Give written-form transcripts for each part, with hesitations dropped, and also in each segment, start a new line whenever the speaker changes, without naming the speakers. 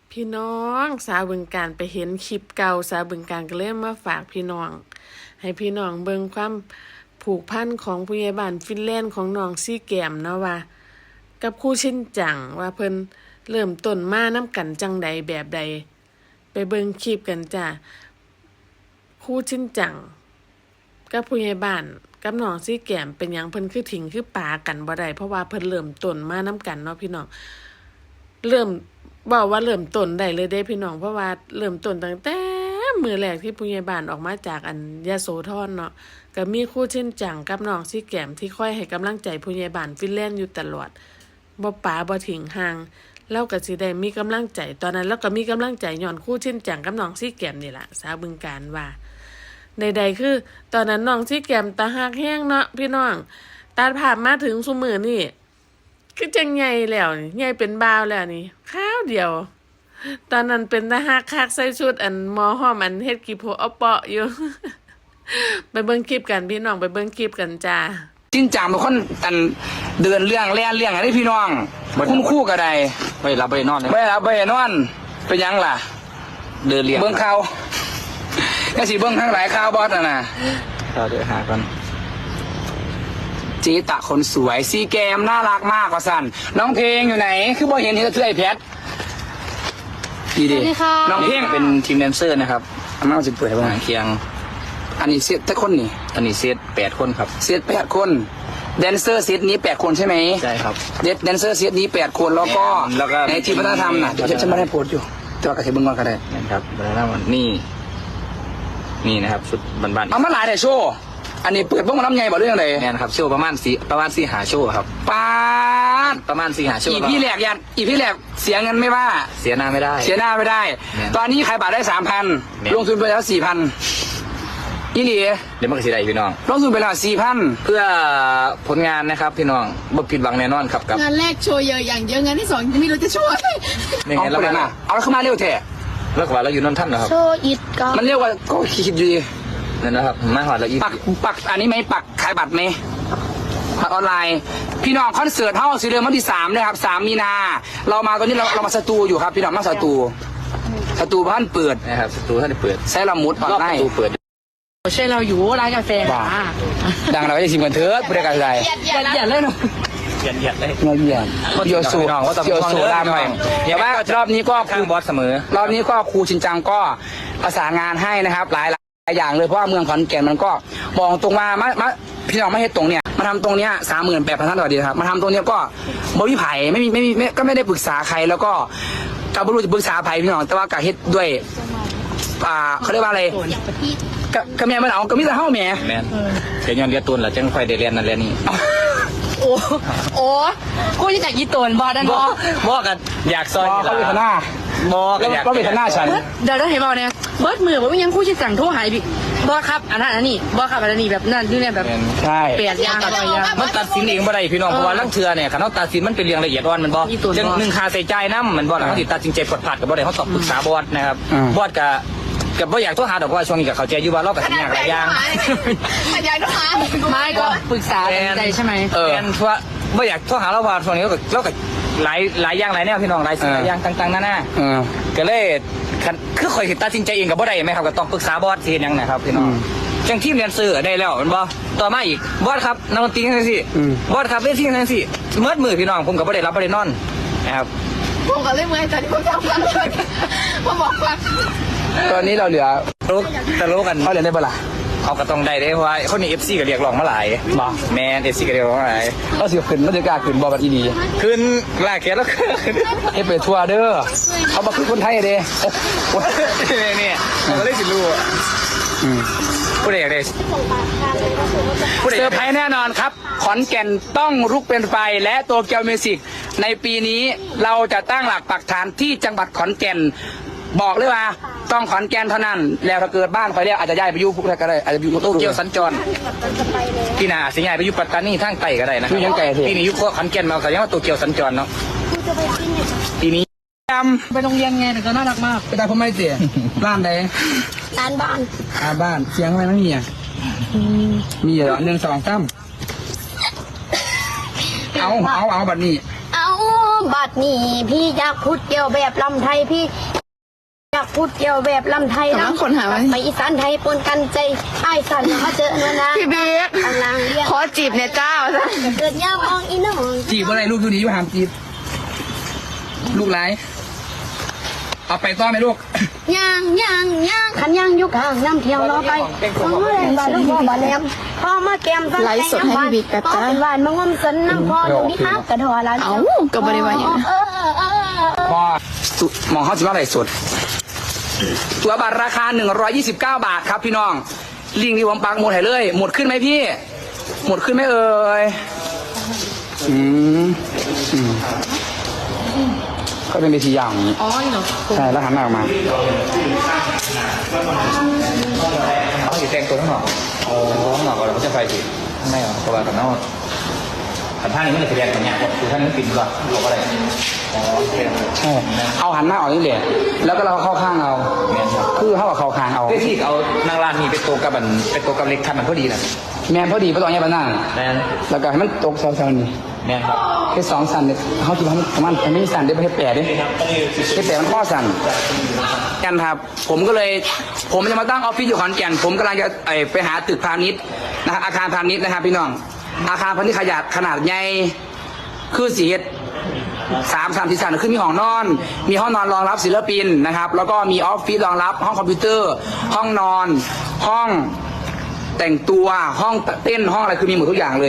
พี่น้องสาวบึงการไปเห็นคลิปเก่าสาวบึงการก็เลยมาฝากพี่น้อง ให้พี่น้องเบิ่งความผูกพันของผู้ใหญ่บ้านฟินแลนด์ของน้องซี่แก้มเนาะว่ากับครูชินจังว่าเพิ่นเริ่มต้นมานํกันจังใดแบบใดไปเบิ่งคลิปกันจ้ะครูชินจังกับผู้ใหญ่บ้านกับน้องซี่แก้มเป็นหยังเพิ่นคือทิ้งคือปากันบ่ได้เพราะว่าเพิ่นเริ่มต้นมานํกันเนาะพี่น้องเริ่มบอกว่าเริ่มต้นได้เลยเด้พี่น้องเพราะว่าเริ่มต้นตั้งแต่มื้อแรกที่ผู้ใหญ่บ้านออกมาจากยโสธรเนาะก็มีครูชินจังกับน้องซี่แก้มที่คอยให้กำลังใจผู้ใหญ่บ้านฟินแลนด์อยู่ตลอดบ่ปาบ่ทิ้งห่างแล้วก็สิได้มีกำลังใจตอนนั้นแล้วก็มีกำลังใจย้อนครูชินจังกับน้องซี่แก้มนี่ล่ะสาวบึงการว่าใดๆคือตอนนั้นน้องซี่แก้มตาฮักแห้งเนาะพี่น้องตัดภาพมาถึงซุมื้อนี่คือจังใหญ่แล้วนี่ใหญ่เป็นบ่าวแล้วนี่คราวเดียวตอนนั้นเป็นตาฮักคักใส่ชุดหมอห้อมเฮ็ดกี่โพเอาเปาะอยู่ ไปเบิ่งคลิปกันพี่น้องไปเบิ่งคลิปกันจ้า
จริงจังเป็นคนเดินเรื่องแล่นเรื่องอะไรพี่น้องคุ้มคู่กับใด
ไม่รับไม่นอนเลย
ไม่รับไม่นอนเป็นยังล่ะ
เดินเรียง
เบิ้งข่าวก็สิเบิ้งทั้งหลายข่าวบอสน่ะ
เราเดี๋ยวหากัน
จีตะคนสวยซีแกมน่ารักมากกว่าสันน้องเพลงอยู่ไหนคือบ่เห็นเห็นเสื้อไอ้แพทดีดีน้องเพลง
เป็นทีมแดนเซอร์นะครับ
อามาจะเปิดให้บ้าง
เคียง
อันนี้เซตแต่คนนี่
อันนี้เซต8 คนครับ
เซต8 คนแดนเซอร์เซตนี้8 คนใช่ไหม
ใช่ครับ
แดนเซอร์เซตนี้8 คนแล้วก็ในทีมวัฒนธรรมน่ะฉันไม่ได้โพสต์อยู่แต่ว่ากระเทียมเบิ้งก่อนก็ได้
นะครับวัฒนธรรมนี่นะครับชุดบัน
เอามาหลายแต่โชว์อันนี้เปิดบ้องน้ำใหญ่บ่เรื่องเลย
เนี่ยครับโชว์ประมาณ4 หาโชว์ครับ
ปาด
ประมาณ4 หาโชว์
อีพี่แหลกเสียเงินไม่ว่า
เสียหน้าไม่ได้
ตอนนี้ขายบัตรได้ 3,000 ลงทุนไปแล้ว 4,000อีหลี
เดี๋ยวมันก็สิได้พี่น้อง
ลงทุนไปแล้ว 4,000
เพื่อผลงานนะครับพี่น้องบ่ผิดหวังแน่นอนครับกับ
งานแรกโชว์เยอะอย่างเยอะงานที่สองไม่รู้จะช่วย
เอาไปเลยนะเอาเข้ามาเร็วแท้
แล้วก็ว่าเราอยู่นนท์ท่านนะครับ
โชว์อิดก็
มันเรียกว่าก็คิดอยู่ดี
นั่นนะครับมาหอดแล้ว
ปักอันนี้ไหมปักขายบัตรไหมบัตรออนไลน์พี่น้องคอนเสิร์ตเท่าสีเรืองวันที่3นะครับ3 มีนาเรามาตอนนี้เรามาสตูอยู่ครับพี่น้องมาสตูบ้านเปิด
นะครับสตูท่านเปิด
ใช้ละมุด
รอบประตูเปิด
ใช่เราอยู่ร้านกาแฟ
ดังเราจะชิมกันเถิดบริการใด
อย่าเล่น
ยัดเลย
โยสูรามหน่อยเดี๋ยวว่ารอบนี้ก็
คือบอสเสมอ
รอบนี้ก็ครูชินจังก็ประสานงานให้นะครับหลายอย่างเลยเพราะว่าเมืองขอนแก่นมันก็มองตรงมาพี่น้องไม่เห็นตรงเนี้ยมาทำตรงเนี้ย38,000 ท่านต่อเดือนครับมาทำตรงเนี้ยก็บริไผ่ไม่ก็ไม่ได้ปรึกษาใครแล้วก็กับบรู้จะปรึกษาไผ่พี่น้องแต่ว่ากะเฮ็ดด้วยเขาเรียกว่าอะไรกะแม่มันเอากะมิตรเฮ้าแม่
เดี๋ยวย้อนเรียนตุนแล้วจังค่อยได้เรียนนั่นเรียนนี่
โอ้กูจะจากยี่ตนบอดัน
บอกกันอยากซอย
เขาเป็นหน้า
บอก
แล้วก็เป็นหน้าฉัน
เดี๋ยวเห็นบอกเนี่ยเบิร์ดมือผมยังคู่ชิดสั่งโทรหายพี่บอครับอันนั้นอันนี้บอครับอันนี้แบบนั่นนี่เนี่ยแบบ
ใช่
เปลี่ยนยางอะไรยาง
มันตัดสินเองบ่ได้พี่น้องเพราะว่าลังเทือเนี่ยขันเขาตัดสินมันเป็นเรื่องละเอียดอ่อนมันบอกจังหนึ่งคาใส่ใจน้ำมันบอกแล้วเขาติดตัดสินใจผดผัดกับบ่ได้เขาตอบปรึกษาบอสนะครับบอสกับบ่อยากโทรหาดอกว่าช่วงนี้กับเขาใจอยู่ว่าเรากับสัญญาหลายอย่าง
อยากโทรหาไม่ก็ปรึกษาใจใช่ไหม
เพราะบ่อยากโทรหาเราว่าช่วงนี้เรากับหลายอย่างหลายแนวพี่น้องหลายสิ่งหลายอย่างต่างๆนั่นก็เลยคือคอยตัดสินใจเองกับบ่ได้ไหมครับก็ต้องปรึกษาบอสทีนึงนะครับพี่น้องจังทีมเรียนซื้อได้แล้วมันบ่ต่อมาอีกบอสครับนักดนตรีทั้งสี่บอสครับเล่นที่ทั้งสี่เมื่อมือพี่น้องผมกับบ่ได้รับบ่ได้นอนนะครับ
ผมก็เล่นมือแต่ที่ผมทำกันเลยผมบอกว่า
ตอนนี้เราเหลือ
ตลกกัน
เขาเรียนได้ปะล่ะ
เขาก็ต้องได้เพราะว่าคนนี้ FC ก็เรียกร้องมาหลายแมน FC ก็เรียกร้องมาหลาย
ก็สิขึ้นมันจะกล้าขึ้นบอบัดอีดี
ขึ้นลากแขนแล้ว
ให้ไปทัวร์เด้อเขามาคือคนไทยเด้
เนี่ยเราได้สิรู้ผู้ใดอยากได้
เซอร์ไพรส์แน่นอนครับขอนแก่นต้องลุกเป็นไฟและโตเกียวมิวสิกในปีนี้เราจะตั้งหลักปักฐานที่จังหวัดขอนแก่นบอกเลยว่าต้องขอนแก่นเท่านั้นแล้วถ้าเกิดบ้านใครเรียกอาจจะย้ายไปอยู่พวกนั้นก็ได้อาจจะอยู่โต
เกียวสัญจรพี่นาสิย้ายไปอยู่ปัตตานีทางใต้ก็ได้นะพี่นี่อยู่ขอนแก่นมาเขาเรียกว่าโตเกียวสัญจรเนาะปีนี้
ไปโรงเรียนไงแต่ก็น่ารักมาก
ไปตามพ่อไม่เสียร้านใด
ร้านบ้าน
บ้านเสียงอะไรไม่มีอ่ะมีเหรอ1 2 3เอาบัดนี้
เอา
บัดนี้พี่อยากพูดเกี่ยวแบบลำไทยพี่อยากพูดเกี่ยวแบบลำไทย
กำลังคนหาไว้
ไปอีสานไทยปนกันใจไอ้ายสันมาเจอเนื้อนะ
พี่เบก
กำลังเรียก
ขอจีบเนี่ยเจ้าซะ
เกิดยามองอีน้อง
จีบอะไรลูกดูดีอยู่หามจีบลูกไรเอาไปต้อนไหมลูก
ย่างขันย่างอยู่ข้างน้ำเที่ยวรอไปฟังแรงบาลูกพ่อบาแหลมพ่อมาแกมตั้ง
ไลฟ์สดให้พี่บิ๊กแป๊บ
พ่อ
จ้า
เป็นหวานมางมสันน้ำพ่อตรงนี้ฮักกระดอละ
เอ้าก็บริวารอย่างนั้น
พอมองเข้าสิว่าอะไรสดตัวบัตรราคา129 บาทครับพี่น้องลิงก์ที่ผมปักหมดให้เลย หมดขึ้นไหมพี่ หมดขึ้นไหมเอ่ยก็เป็นเวทียาวอย่างนี้
อ๋อเนาะ
ใช่แล้วหันหน้าออกมา
เขาอยู่แต่งตัวข้างนอกข้างนอกก่อนแล้วก็จะไฟสิข้างในเพราะว่าข้างนอกแต่ท่านี้ไม่ได้แสดงอย่างเงี้ยคือท่านี้ปิดก่อนบอกอะไรอ๋อโอเค
ใช่เอาหันหน้าออกนี่แหละแล้วก็เราเข้าข้างเอา
แมนครับ
คือเข้ากับเข้าข้างเอา
เพื่อที่เอานางรานนี่เป็นตัวกับมันเป็นตัวกับเล็กคันมันพอดีนะ
แมนพอดีพอตอนนี้ปะนั่ง
แมน
แล้วก็ให้มันตกแซวๆนี่
แมนครับ
แค่2 สั่นเนี่ยเขาคิดว่ามันไม่สั่นได้ไปให้แปดดิให้แปดมันข้อสั่นกันครับ ผมจะมาตั้งออฟฟิศอยู่ขอนแก่นผมกำลังจะไปหาตึกพาณิชย์นะครับอาคารพาณิชย์นะครับพี่น้อง อาคารพาณิชย์ขนาดใหญ่คือสีเฮ็ด3 4 สั่นคือมีห้องนอน มีห้องนอนรองรับศิลปินนะครับ แล้วก็มีออฟฟิศรองรับห้องคอมพิวเตอร์ ห้องนอน ห้องแต่งตัวห้องเต้นห้องอะไรคือมีหมดทุกอย่างเลย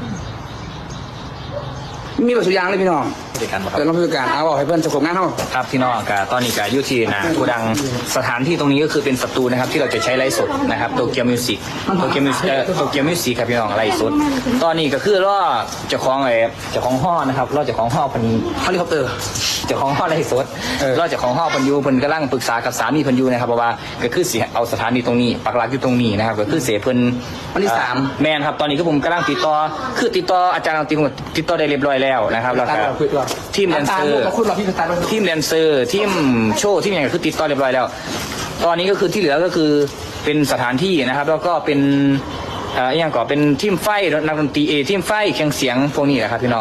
มีหมดทุกอย่างเลยพี่น้อง
ผู้จัดการบอกค
เดี๋ยว
รับ
เราพูดกันเอาบอกให้เพื่อนจะขบงานเท่า
ครับพี่น้องกับตอนนี้กับยูทีนะกูดังสถานที่ตรงนี้ก็คือเป็นสตูนะครับที่เราจะใช้ไลฟ์สดนะครับโตเกียวมิวสิกโตเกียวมิวสิกครับพี่น้องไลฟ์สดตอนนี้ก็คือล่อเจ้าของเจ้าของห้อนะครับล่อเจ้าของห้อพัน
เฮลิคอปเตอร์
เจ้าของห้อไลฟ์สดล่อเจ้าของห้อพันยูเพิ่นกำลังปรึกษากับสามีพันยูนะครับเพราะว่าก็คือสิเอาสถานีตรงนี้ปักหลักอยู่ตรงนี้นะครับก็คือเสเพิ่น
วันที่ 3
แมนครับตอนนี้ก็ผมกำลังติดต่ออาจารย์ติดต่อได้เรียบร้อยแล้วนะครับแล้วก็ทีมแดนเซอร์
คุณรอพี่สตาร์ท
ทีมแดนเซอร์ทีมโชว์ทีมอย่างคือติดต่อเรียบร้อยแล้ว ตอนนี้ก็คือที่เหลือก็คือเป็นสถานที่นะครับ แล้วก็เป็นอย่างก่อเป็นทีมไฟนักดนตรีทีมไฟเครื่องเสียงพวกนี้แหละครับพี่น้อง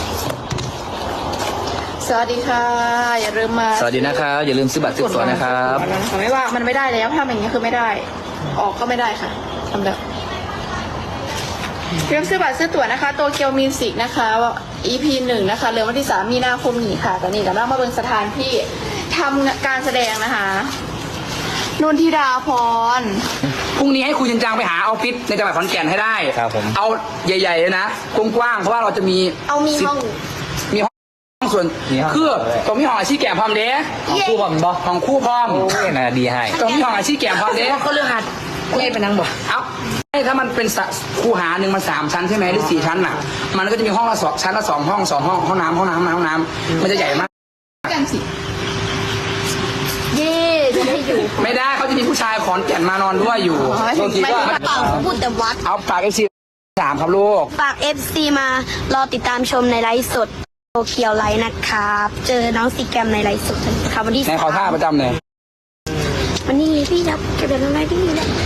สวัสดีค่ะ อย่าลืมมา
สวัสดีนะครับอย่าลืมซื้อบัตรซื้อตั๋วนะครับ
ไม่ว่ามันไม่ได้แล้วถ้าอย่างเงี้ยคือไม่ได้ ออกก็ไม่ได้ค่ะทำแบบเริ่มซื้อบัตรซื้อตั๋วนะคะโตเกียวมิวสิกนะคะ EP 1นะคะเริ่มวันที่3 มีนาคมนี้ค่ะตอนนี้กำลังมาเบิ่งสถานที่ทำการแสดงนะคะนุ่นธิดาพร
พรุ่งนี้ให้คุณจันจังไปหาออฟฟิศในจังหวัดขอนแก่นให้ได้
ครับผม
เอาใหญ่ๆเลยนะกว้างๆเพราะว่าเราจะมี
เอามีห้อง
มีห้องส่วนคือตรงมีห้องอาชีพแก่พร้อมเด้
ของคู่บอมบอ
ห้องคู่พร้อม
โอ้ยน่าดีให้
ตรงมีห้องอาชีพแก่พร้อมเด้
ก็เรื่องหัด
เล่นเป็นนางบอก
เอาถ้ามันเป็นคูหาหนึ่งมัน3 ชั้นใช่ไหมหรือ4 ชั้นน่ะ มันก็จะมีห้องละ2 ชั้นละ2 ห้องห้องน้ำมันจะใหญ่มาก
กันสิ
เย่จะได้อยู่
ไม่ได้เขาจะมีผู้ชายขอนแก่นมานอนด้วยอยู่
ไม่ถึงเปล่าพูดแต่วัด
เอาปากFC3ครับลูก
ฝาก FC มารอติดตามชมในไลฟ์สดโตเกียวไลฟ์นะครับ เจอน้องซีแกรมในไลฟ์สดครับวันที่
ในขอท่าประจำเลย
วันนี้พี่ครับเก็บเป็นอะไรที่นี่แล้ว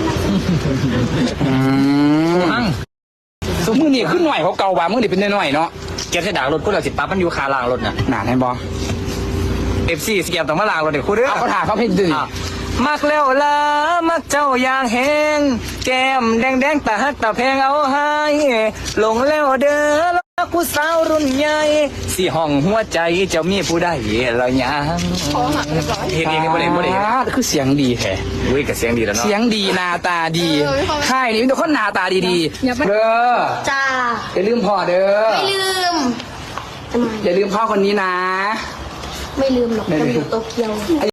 สมมือนี่ขึ้นหน่อยเขาเก่าว่ามือนี่เป็นหน่อยๆเนาะ
เก็บใส่ดากรถพวกเราสิปั๊บมันอยู่คาล่างรถน่ะ
หนาแน่บอ
FC สเกียบต้องมาล่างรถเดี๋ยวคู่เด้อ
เอาเขาถ่ายเขาเพชรดื้อ
มักแล้วละมักเจ้าอย่างแหงแก้มแดงตาฮักตาแพงเอาให้หลงแล้วเด้อรักผู้สาวรุ่นใหญ่สิห้องหัวใจเจ้ามีผู้ใดละยัง
คอหักเรียบร้อย
เห็นเองนี่บ่ได้บ่ได้
คือเสียงดีแท้
อุ้ยกับเสียงดีแล้วเนาะ
เสียงดีหน้าตาดีค่ายนี้มีแต่คนหน้าตาดีๆเด้อ
จ้า
อย่าลืมพ่อเด้อ
ไม่ลืมทำไม
อย่าลืมพ่อคนนี้นะ
ไม่ลืมหรอกจะอยู่โตเกียว